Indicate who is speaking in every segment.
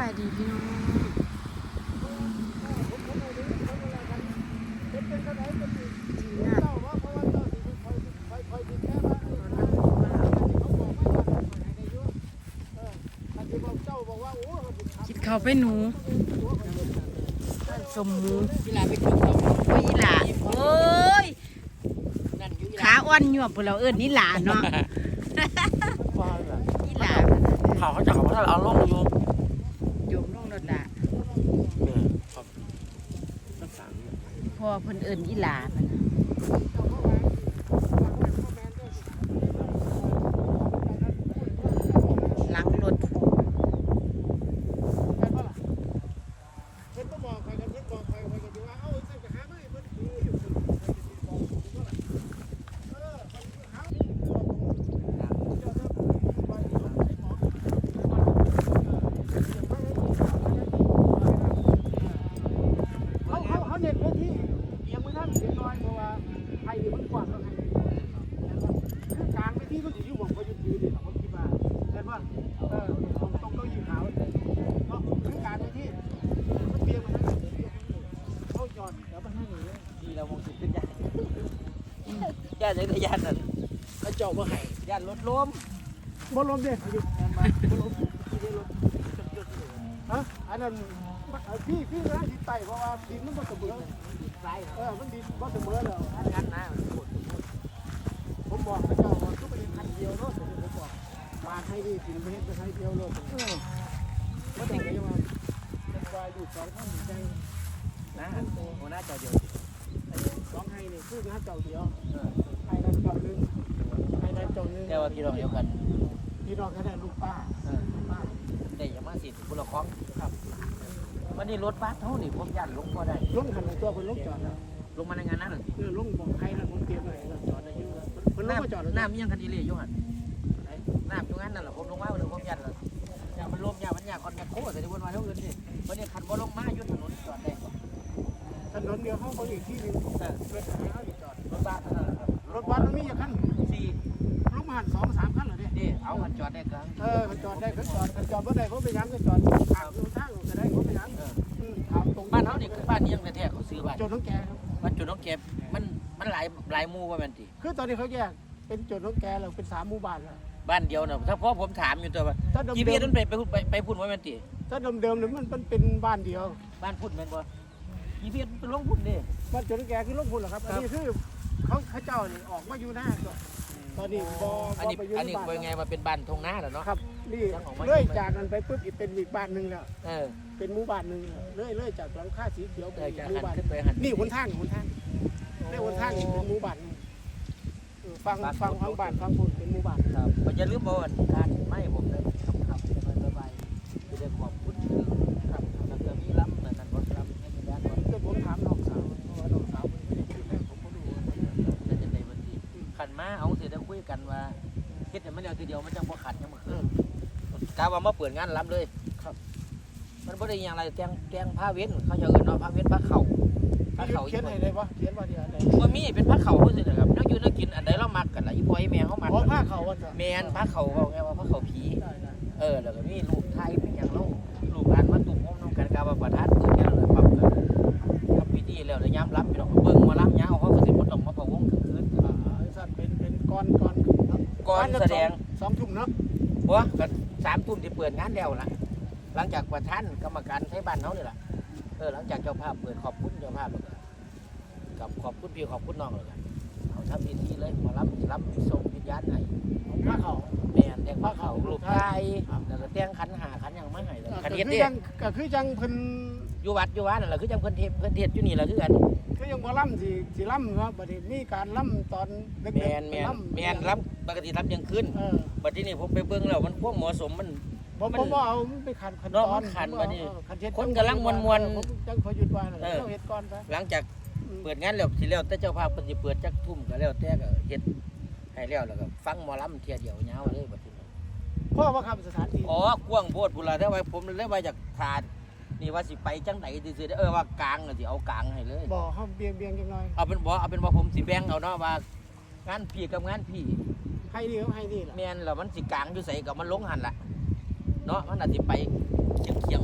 Speaker 1: ายดีพี่น้องคิดเขาไปหนูสมหมูอีหลาไปกินเขาโอ้ยอีหลาโอ้ยขาอ่อนหยวบพวกเราเอิ้นนี่หลาเนาะอีหลา
Speaker 2: เขาจะเขาเอาลงอยู่
Speaker 1: โยมลงรถด่าพอเพิ่นเอิ้นอีหลาหลังรถ
Speaker 2: ย่านในย่านนั่นเขาเจาะมาให้ย่านรถล้ม
Speaker 3: บ่ล้มเด้บ่ล้มฮะอันนั้นพี่นะที่ไต่เพราะว่าดินมันบ่เสมอมันดินบ่เสมอแล้ว
Speaker 2: อันนั้นนะ
Speaker 3: ผมบอกพระเจ้าว่าทุกประเด็นคันเดียวเนาะผมบอกมาให้ดีสิประเด็นให้เดียวเลยบ่ต้องไปว่าเป็นวายอยู่2ท่านใจ
Speaker 2: นะหัวหน้าเจ้าเดียว
Speaker 3: 2ให้นี่คือหน้าเจ้าเดียวให้นั้นเจ้านึงให้นั้นเจ้านึง
Speaker 2: แต่ว่าพี่น้องเดียวกัน
Speaker 3: พี่น้องแค่ลูกป้า
Speaker 2: แต่อย่ามาสิคุณละครครับวันนี้รถบัสเท่านี่ผมยันลงก็ได้
Speaker 3: ลงหันตัวคนลงจอดแล้ว
Speaker 2: ลงมาในงานนั้น
Speaker 3: ลงบอกใครนะผมเตรียมไว้จอดได้อยู่
Speaker 2: คนลงมาจอดน้ำยังคันดีเลยอยู่หันน้ำตรงนั้นนั่นแหละผมลงมาเลยผมยันเลยอย่ามันลมอย่ามันอยากคอนแทคโค้ใส่ที่บนมาเท่าอื่นดิวันนี้คันบ่ลงมาอยู่ถนนจอดได้
Speaker 3: ถนนเดียวห้องเขาอีกที่นึงรถจอด
Speaker 2: รถบัสนั่นแหละครับ
Speaker 3: รถบัสมันมีอย่างขั้น4ลูกหัน2-3ขั้นเหรอเนี่ย
Speaker 2: นี่เอาคันจอดได้กัน
Speaker 3: จอดได้ก็จอดเมื่อใดเขาไปยังก็จอดทางทางก็ได้เขาไปยัง
Speaker 2: ตรงบ้านเขานี่คือบ้านนี้ยังแท้ๆเขาซื้อบ้าน
Speaker 3: จุดน้องแกครับ
Speaker 2: บ้านจุดน้องแกมันหลายหมู่ว่ามันติ
Speaker 3: คือตอนนี้เขาแยกเป็นจุดน้องแกเราเป็น3หมู่บ้านแล้ว
Speaker 2: บ้านเดียวน่ะถ้าพ่อผมถามอยู่ตัวว่ากี่ปีนั้นไปพูดว่ามันติ
Speaker 3: ถ้าเดิมๆเนี่ยมันเป็นบ้านเดียว
Speaker 2: บ้านพูดแม่นบ่กี่ปีเป็นลงพูดนี่
Speaker 3: บ้านจุดน้องแกคือลงพูดเหรอครับอันนี้คือเขาเจ้านี่ออกมาอยู่หน้าตอนนี้
Speaker 2: อันนี้เป็นไงมาเป็นบ้านทงนาแล้วเนาะ
Speaker 3: ครับนี่เลื่อยจากนั้นไปปุ๊บเป็นอีกบ้านนึงแล้วเป็นหมู่บ้านนึงเลื่อยจากหลังคาสีเขียวไปหมู่บ้านนี่หนทางได้หนทางเป็นหมู่บ้านฟังฟังบ้านฟังพูดเป็นหมู่บ้าน
Speaker 2: ครับมันจะลืมบ่อนการไม่ผมเลยครับสบายจะได้ขอบคุณครับแล้วก็มีล้ำนั่นบ่ครับให้มีด้านบ่
Speaker 3: ก็ผมถามน้องสาวเพราะว่าน้องสาวไม่ได้คิดแรกผมก็ดู
Speaker 2: จะในวันที่ขันมาเอาเสร็จแล้วคุยกันว่าคิดแต่มันเดียวทีเดียวมันจังบ่ขัดยังบ่คือกะว่ามาเปิดงานล้ำเลยครับมันบ่ได้อย่างไรแกงผ้าเว้นเขาจะเอิ้นเนาะผ้าเว้นผ้าเข่า
Speaker 3: เขียนอะไรวะเขียนว่าเดียวอะไร
Speaker 2: บ่มีเป็นผ้าเข่าเพิ่นสินะครับนักอยู่นักกินอันใดเรามักกันล่ะอีพ่ออีแม่เฮามัก
Speaker 3: ผ้าเข่าว่า
Speaker 2: แม่นผ้าเข่าเว้าไงว่าผ้าเข่าผีแล้วก็มีลูกไทยเป็นหยังเราลูกหลานมาตุ่มโฮมนำกันกะว่าประทัดเกิดแก่แล้วปรับกันทำพิธีแล้วยามรับพี่น้องเบิ่งมารับยาวเขาก็สิบ่ต้องมาพะวงคืน
Speaker 3: สั่นเป็นก่อน
Speaker 2: แสดง
Speaker 3: 2 ทุ่มเนาะ
Speaker 2: บ่ก็3 ทุ่มที่เปิดงานแล้วล่ะหลังจากประธานกรรมการไทยบ้านเฮานี่ล่ะหลังจากเจ้าภาพเปิดขอบคุณเจ้าภาพแล้วกับขอบคุณพี่ขอบคุณน้องเลยกันเอาทำพิธีเลยมารับส่งวิญญาณให้
Speaker 3: พระเขา
Speaker 2: แม่นแต่งพระเขารูปไทยแล้วก็แต่งขันหาขันอย่างมาให้เลยขันเฮ็ดเด้
Speaker 3: ก็คือจังเพิ่น
Speaker 2: อยู่วัดนั่นแหละคือจังเพิ่นเทศอยู่นี่แหละคือกัน
Speaker 3: คือยังบ่ล่ำสิล่ำเนาะบัดนี้มีการล่ำตอน
Speaker 2: เด็กๆแม่นล่ำปกติล่ำยังขึ้นบัดนี้ผมไปเบิ่งแล้วมันพวกเหมาะสมมัน
Speaker 3: ผมบ่เอาไปขันตอน
Speaker 2: ขันบัดนี้คนกำลังมวน
Speaker 3: จังพอหยุดว่าเราเฮ็ดก่อนไป
Speaker 2: หลังจากเปิดงานแล้วสิแล้วแต่เจ้าภาพเพิ่นสิเปิดจักทุ่มก็แล้วแต่ก็เฮ็ดให้แล้วก็ฟังหมอลำเที่ยเดียวยาวเลยบัดนี้
Speaker 3: พ่อว่าครับสถานที่
Speaker 2: กว้างโพดพุ่นล่ะแต่ว่าผมเลยว่าอยากถาดนี่ว่าสิไปจังได๋ซื่อๆว่ากลางสิเอากลางให้เลย
Speaker 3: บ่เฮาเบียงจังหน่อย
Speaker 2: เอาเป็นว่าผมสิแบ่งเอาเนาะว่างานพี่กับงานพี่
Speaker 3: ให้ดีครับให้ดีล่ะ
Speaker 2: แม่นแล้วมันสิกลางอยู่ไสก็มันลงหั่นล่ะเนาะมันอาจสิไปเฉียงมาทาง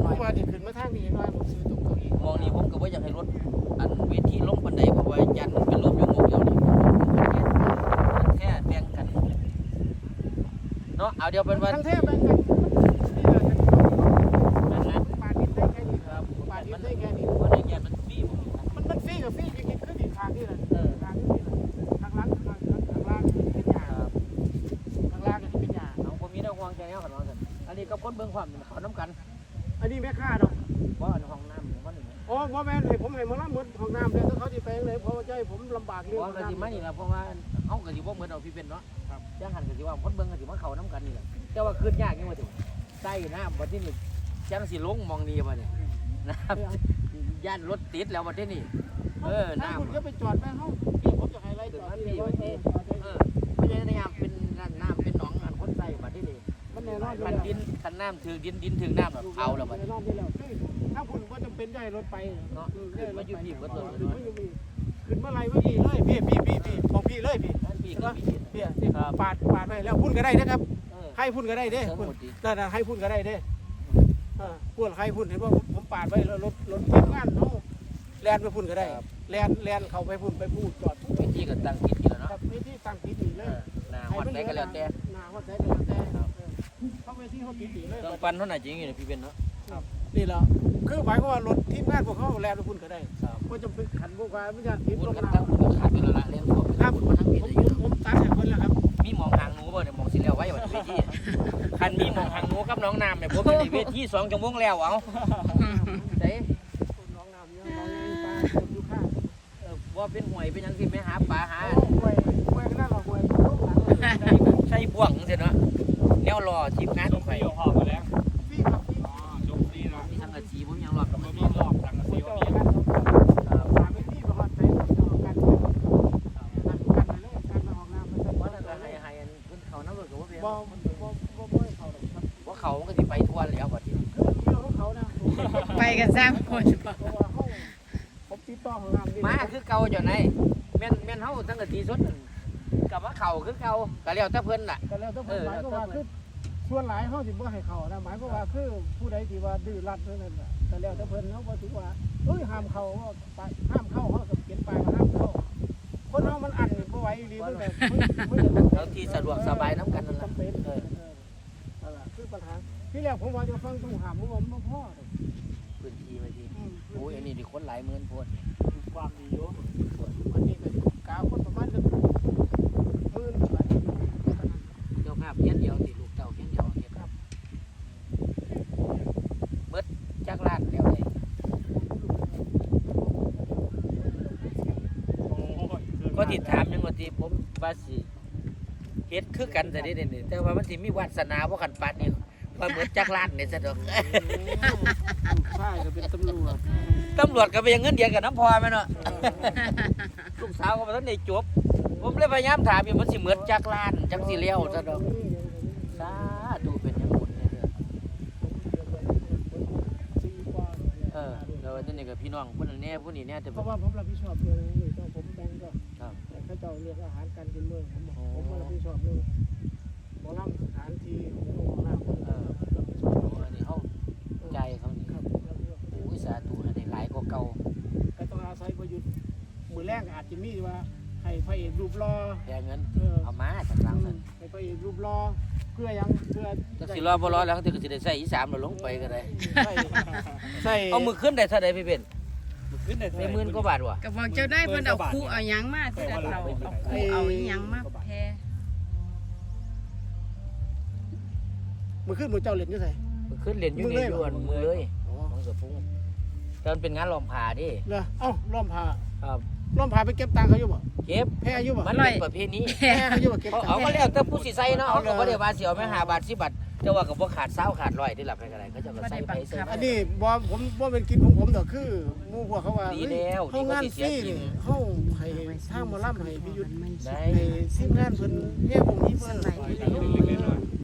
Speaker 2: น้อย
Speaker 3: ว่าจะขึ้นมาทางนี้น้อยผมซื้อตรงเก้าอี้
Speaker 2: มองนี่ผมก็บ่อยากให้รถอันเวทีลงบันไดเพราะว่ายันมันเป็นลมอยู่งกเดียวนี่แค่แบ่งกันเนาะเอาเดี๋ยวเป็นว่า
Speaker 3: ทั้งแทบแบ่งกันนี่แหละ
Speaker 2: นั่นนะ
Speaker 3: ปาดินได้แค่นี้
Speaker 2: ครับ
Speaker 3: ปาดินได้แค่นี้
Speaker 2: เพราะในยันมันฟรีผม
Speaker 3: มันฟรีกับฟรีอย่างนี้ขึ้นอีกทางนี่แหละ
Speaker 2: เออ
Speaker 3: ทางนี้แหละทางล่างเป็นหญ้า
Speaker 2: ครับ
Speaker 3: ทางล่างก็เป็นหญ้า
Speaker 2: เอาผมมีแต่ห่วงใจเอากันว่าซั่นอันนี้ก็คนเบิ่งความเขานํกัน
Speaker 3: อันนี้แม่ค่าเนาะ
Speaker 2: บ่อันห้องน้ำมันนี่
Speaker 3: อ๋อบ่แม่นให้ผมให้มาล้างหมดห้องน้ำเลยถ้าเขาสิไปเลยเพราะว่าใจผมลำบากเรื่อง
Speaker 2: บ่
Speaker 3: ห้อง
Speaker 2: ก็สิมา
Speaker 3: น้ำ
Speaker 2: นี่ล่ะเพราะว่าเฮาก็สิบ่เหมือนเอาพี่เป็นเนาะ
Speaker 3: ครับ
Speaker 2: จังหันก็สิว่าคนเบิ่งก็สิมาเข้านํกันนี่แหละแต่ว่าคืนยากนี่ว่าถึงใต้น้ำบัดนี้นี่จังสิลงมองนี่บัดนี้นะครับย่านรถติดแล้วบัดนี้
Speaker 3: ถ้า
Speaker 2: น้ำ
Speaker 3: คุณก็ไปจอดแม่ห้องพี่ผมจะให้ไรจอดที่
Speaker 2: ไม่ใช่น้ำเป็นน้ำเป็นหนองอันคนใส่บัดนี้นี่
Speaker 3: มันแน่นอน
Speaker 2: คันดินคันน้ำถือดินถือน้ำแบบเอาแล้วบัด
Speaker 3: แน่นอนที่แล้วถ้าคุณก็จำเป็นได้รถไป
Speaker 2: เนาะขึ้นมาอยู่พี่เบิดเลย
Speaker 3: ขึ้นเมื่อไรเมื่อกี้เลยพี่ของพี่เลยพี่
Speaker 2: ท่านพี่ก็มี
Speaker 3: พี่ปาดไปแล้วพุ่นก็ได้นะครับ ให้พุ่นก็ได้เด้
Speaker 2: ทั้งหมดดี
Speaker 3: นั่นให้พุ่นก็ได้เด้พุ่นให้พุ่นเห็นว่าผมปาดไปแล้วรถทีมงานเขาแลนไปพุ่นก็ได้แลนเขาไปพุ่นไปพูดจอด
Speaker 2: วิธีก็ตั้งคิดอยู่แล้ว
Speaker 3: ครั
Speaker 2: เนาะ
Speaker 3: บวิธีตั้งติดดีเลย
Speaker 2: นาฮอดได้ก็แล้วแต่
Speaker 3: นาฮอดได้ก็แล้วแต่เขาไปที่เขาติดดีเลย
Speaker 2: ต้องปั่นเท่าไหร่จริงอยู่พี่เป็นเนาะ
Speaker 3: นี่แหละคือหมายความว่ารถทีมงานพวกเขาแลนไปพุ่นก็ได้
Speaker 2: ครับ
Speaker 3: ก็จะเป็นขันพวกว่าไม่ใช่ติด
Speaker 2: บุญ
Speaker 3: ลง
Speaker 2: กัน
Speaker 3: น้
Speaker 2: ตั้งบุญขาดไปแล้วละเลี้ยงตัว
Speaker 3: ำครับ
Speaker 2: มาทั้งปีเลย
Speaker 3: ผมตัดให้คนแล้วครับ
Speaker 2: มีมองหางหนูบ่เนี่ยมองสิแล้วไว้วันเวทีคันมีมองหางหนูกับน้องน้ำเนี่ยผมอยู่ในเวที2 ชั่วโมงแล้วเอาเด้
Speaker 3: น้องน้ำเนี่ยน้องปลาอยู่ข้าง
Speaker 2: ว่าเป็นหวยเป็นหยังสิไม่หาปลาหา
Speaker 3: ห่วยก็น่าหรอกห่วยลูกหลาน
Speaker 2: ใช่บ่วงเสียเนาะแนวรอทีมงานของใคร
Speaker 4: พอมาแล้ว
Speaker 3: พี่ครับพี่
Speaker 4: อ๋อจบดีนะ
Speaker 2: มีทั้งกระชีผมยังรอกับ
Speaker 4: มั
Speaker 2: มัน น
Speaker 4: มีรอบทางซี
Speaker 3: เจ้า
Speaker 4: ว่า
Speaker 3: กันตามไปที่ประวัติไปกันไปเลยกันมาออกน้ำมันจะ
Speaker 2: ว่านั่นก็ให้อันขึ้นเขาน้ำรถกับว่าเป็น
Speaker 3: บ่เขาหรอกครับ
Speaker 2: ว่าเขามันก็สิไปทั่วแล้วบัดนี้
Speaker 3: คือเรื่องของเขานะ
Speaker 1: ไปกันสร้างคน
Speaker 3: เพราะว่าเขาผมติดต่อของน้ำนี่
Speaker 2: มาคือเก่าเจ้าไหนแม่นเฮาทั้งกะทีสดนั่นกับว่าเขาคือเก่าก็แล้วแต่เพิ่นล่ะ
Speaker 3: ก็แล้วต้องหมายก็ว่าคือส่วนหลายเขาสิบ่ให้เขานะหมายก็ว่าคือผู้ใดที่ว่าดื้อรั้นนั่นแหละก็แล้วแต่เพิ่นเขาบ่ถือว่าเอ้ยห้ามเข้าห้ามเข้าเขาก็เขียนป้ายว่าห้ามเข้าคนเฮามันอันบ่ไหวดีมันแบบ
Speaker 2: เอาที่สะดวกสบายน้ำกันนั่นล่ะ
Speaker 3: จำเป็นนั่นแหละคือปัญหาที่แรกผมว่าจะฟังต้องหามผมว่ามันพ่อ
Speaker 2: พื้นที่ไปทีโอ้ยอันนี้ดิคนหลายหมื่นโพด
Speaker 3: ความดีอยู่วันนี้ก็กาคนประมาณจะหมื่นหลาย
Speaker 2: เจ้าภาพเพี้ยนเดียวสิลูกเจ้าเพี้ยนเดียวเฮ็ดครับเบิดจักล้านแล้วเลย ก็ติดถามยังว่าที่ผมว่าสิเฮ็ดคือกันแต่นี่นี่แต่ว่ามันสิมีวาสนาบ่กันปานนี่ว่าเหมือนจักรล้านนี่ซะดอก
Speaker 3: ใช่ก็เป็นตำรวจ
Speaker 2: ตำรวจก็ไปยังเงินเดือนกับน้ำพอแม่เนาะ ลูกสาวก็บ่ทันได้จบ ผมเลยพยายามถามอยู่มันสิเหมือนจักรล้านจังสิเลี้ยวซะดอกสาธุเป็นอย่างบุญเนี่ยเด้อแล้วทีนี้ก็พี่น้องผู้นั้นแน่ผู้นี้แน่แต่
Speaker 3: เพราะว่าผมรับผิดชอบเรื่องนี้ต้องผมแบ่งก็
Speaker 2: ครับ
Speaker 3: เขาเจ้าเรียกอาหารการกินเมืองผมรับผิดชอบเรื่องหมอลำสถานที่หมอลำ
Speaker 2: อันนี้เฮาใจายเขานี่
Speaker 3: ครับ
Speaker 2: โอ้ยสาธุให้ได้หลายกว่าเก่า
Speaker 3: ก็ต้องอาศัยประยุทธ์มือแรกอาจจะมีว่าให้พระเอกรูปรอ
Speaker 2: แต่เงินเอามาจากหลังนั่น
Speaker 3: ให้พระเอกรูปรอเพื่อยังเพื่อ
Speaker 2: จักสิรอบ่รอแล้วก็สิได้ใส่อีสามแล้วลงไปก็ได้
Speaker 3: ใส่
Speaker 2: เอามือขึ้นได้เท่าใดพี่เป็น
Speaker 4: ขึ้นได้
Speaker 2: ในหมื่นกว่าบาทว่ะ
Speaker 1: ก็บอกเจ้าได้เพิ่นเอาคู่เอาหยังมาที่เราเอาคู่เอาหยังมาแพ้
Speaker 3: มือขึ้นมือเจ้าเล่นอยู่ใส่
Speaker 2: มือขึ้นเรียนอยู่ในยวนมือเลยของเสือฟุ้งแต่มันเป็นงานลอมผ่าดิ
Speaker 3: เหรอเอ้าล้อมผ้า
Speaker 2: ครับ
Speaker 3: ล้อมผ้าไปเก็บตังค์เขาอยู่บ่
Speaker 2: เก็บ
Speaker 3: แพ้อยู่บ่
Speaker 2: มันเป็นประเพณี
Speaker 3: แพ้เขาอยู่บ่เก็บตังค์
Speaker 2: เอาก็แล้วแต่ผู้สิใส่เนาะเอาก็บ่ได้ว่าสิเอาแม่5 บาท10 บาทแต่ว่าก็บ่ขาด20ขาด100ได้หลับไปก็ได้เขาจะก็ใส่ไปใส่
Speaker 3: อันนี้บ่ผมบ่เป็นกินของผมดอกคือหมู่พวกเขาว่า
Speaker 2: ดีแล้ว
Speaker 3: เฮางานฟรี
Speaker 2: ดีกว่าสิเสียกิน
Speaker 3: นี่เฮาให้ทางหมอลำให้พิยุทธ์
Speaker 2: ได้
Speaker 3: ให้ทีมงานเพิ่นเฮ็ดวงนี้เพิ่น
Speaker 1: ไหน
Speaker 4: เล็กๆน้อย